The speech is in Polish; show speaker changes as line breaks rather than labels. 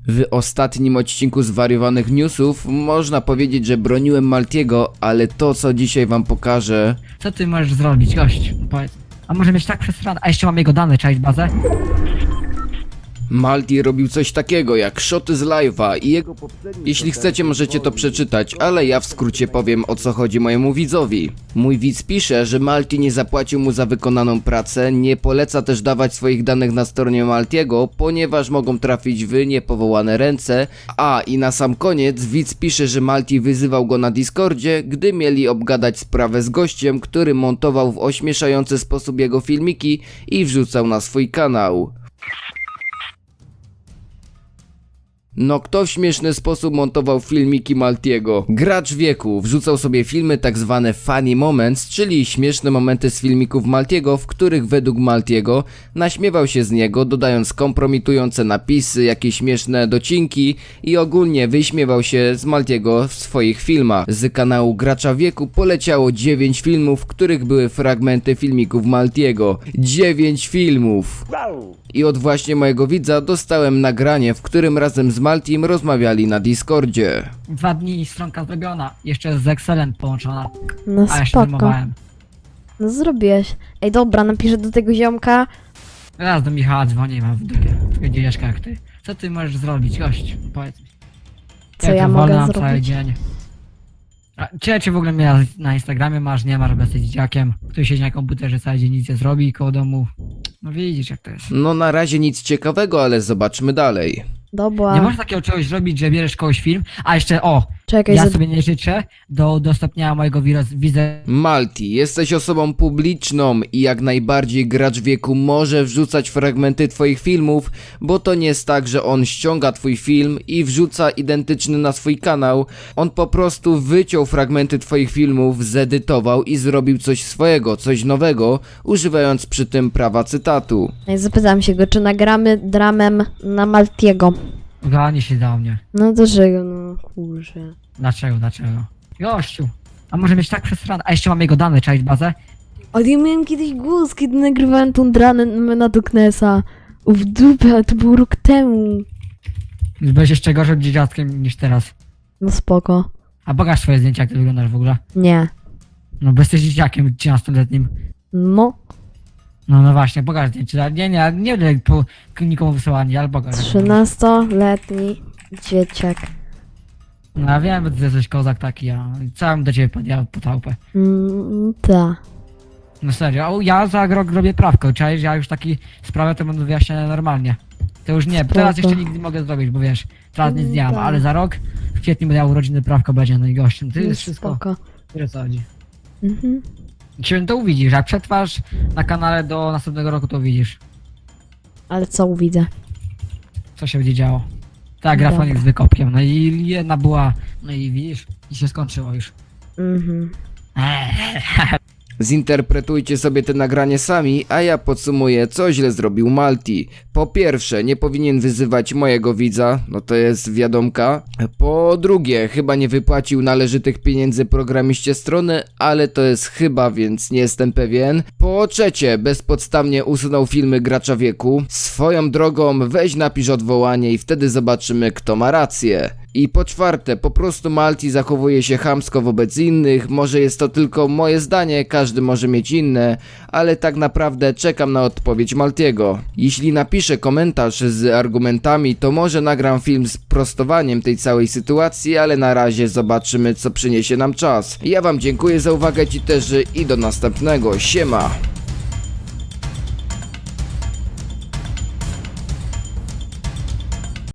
W ostatnim odcinku Zwariowanych Newsów można powiedzieć, że broniłem Maltiego, ale to co dzisiaj wam pokażę...
Co ty możesz zrobić, gość? Powiedz. A może mieć tak przesrane? A jeszcze mam jego dane, czaić bazę?
Malti robił coś takiego jak shoty z live'a i jego poprzedni... Jeśli chcecie możecie to przeczytać, ale ja w skrócie powiem o co chodzi mojemu widzowi. Mój widz pisze, że Malti nie zapłacił mu za wykonaną pracę, nie poleca też dawać swoich danych na stronie Maltiego, ponieważ mogą trafić w niepowołane ręce. I na sam koniec widz pisze, że Malti wyzywał go na Discordzie, gdy mieli obgadać sprawę z gościem, który montował w ośmieszający sposób jego filmiki i wrzucał na swój kanał. No kto w śmieszny sposób montował filmiki Maltiego? Gracz wieku wrzucał sobie filmy tak zwane funny moments, czyli śmieszne momenty z filmików Maltiego, w których według Maltiego naśmiewał się z niego, dodając kompromitujące napisy, jakieś śmieszne docinki i ogólnie wyśmiewał się z Maltiego w swoich filmach. Z kanału Gracza Wieku poleciało 9 filmów, w których były fragmenty filmików Maltiego. 9 filmów! I od właśnie mojego widza dostałem nagranie, w którym razem z Maltim rozmawiali na Discordzie.
2 dni stronka zrobiona, jeszcze z Excelem połączona.
No
A jeszcze
spoko.
filmowałem.
No zrobiłeś. Ej dobra, napiszę do tego ziomka.
Raz do Michała dzwonię, mam w dupie. Dzieciaszka jak ty. Co ty możesz zrobić, gość? Powiedz mi.
Co
Jak
ja
to wolno
mogę
na cały
zrobić?
dzień. A cię w ogóle mnie na Instagramie masz, nie masz, żeby jesteś dzieciakiem, który siedzi na komputerze cały dzień, nic nie zrobi koło domu. No widzisz jak to jest.
No na razie nic ciekawego, ale zobaczmy dalej.
Dobra.
Nie możesz takiego czegoś zrobić, że bierzesz kogoś film, a jeszcze
Czekaj,
ja sobie nie życzę do udostępniania mojego wizerunku.
Malti, jesteś osobą publiczną i jak najbardziej Gracz Wieku może wrzucać fragmenty twoich filmów, bo to nie jest tak, że on ściąga twój film i wrzuca identyczny na swój kanał. On po prostu wyciął fragmenty twoich filmów, zedytował i zrobił coś swojego, coś nowego, używając przy tym prawa cytatu.
Ej, zapytam się go, czy nagramy dramem na Maltiego.
Gani się do mnie.
No dlaczego? No kurczę.
Dlaczego? Gościu. A może mieć tak przesrane? A jeszcze mam jego dane, czaić bazę?
Ale ja miałem kiedyś głos, kiedy nagrywałem tą dramę na Doknesa. W dupę, ale to był rok temu.
Byłeś jeszcze gorszym dzieciaczkiem niż teraz.
No spoko.
A pokaż swoje zdjęcia, jak ty wyglądasz w ogóle.
Nie.
No bo jesteś dzieciakiem 13-letnim.
No.
No właśnie, pokaż zdjęcie. Nie będę po nikomu wysyłanie, ale pokaż.
13-letni dzieciak.
No ja wiem, że ty jesteś kozak taki, a co ja bym do ciebie podjechał po tałpę.
Ta.
No serio, ja za rok robię prawko, czaisz, ja już taki sprawę to będę wyjaśniać normalnie. To już nie, teraz
Spoko.
jeszcze nigdy nie mogę zrobić, bo wiesz, teraz nic nie mam,
tak.
ale za rok w kwietniu będę miał urodziny, prawko będzie no i gościem, ty
No
jest wszystko,
spoko.
wiesz o co chodzi.
Mhm.
Dzisiaj to uwidzisz, jak przetrwasz na kanale do następnego roku to uwidzisz,
Ale co widzę?
co się będzie działo. Tak,
Dobra.
grafonik z wykopkiem, no i jedna była, no i widzisz, i się skończyło już.
Mhm.
Zinterpretujcie sobie te nagranie sami, a ja podsumuję, co źle zrobił Malti. Po pierwsze, nie powinien wyzywać mojego widza, no to jest wiadomka. Po drugie, chyba nie wypłacił należytych pieniędzy programiście strony, ale to jest chyba, więc nie jestem pewien. Po trzecie, bezpodstawnie usunął filmy Gracza Wieku. Swoją drogą, weź napisz odwołanie i wtedy zobaczymy, kto ma rację. I po czwarte, po prostu Malti zachowuje się chamsko wobec innych, może jest to tylko moje zdanie, każdy może mieć inne, ale tak naprawdę czekam na odpowiedź Maltiego. Jeśli napiszę komentarz z argumentami, to może nagram film z prostowaniem tej całej sytuacji, ale na razie zobaczymy, co przyniesie nam czas. Ja wam dziękuję za uwagę ci też i do następnego, siema!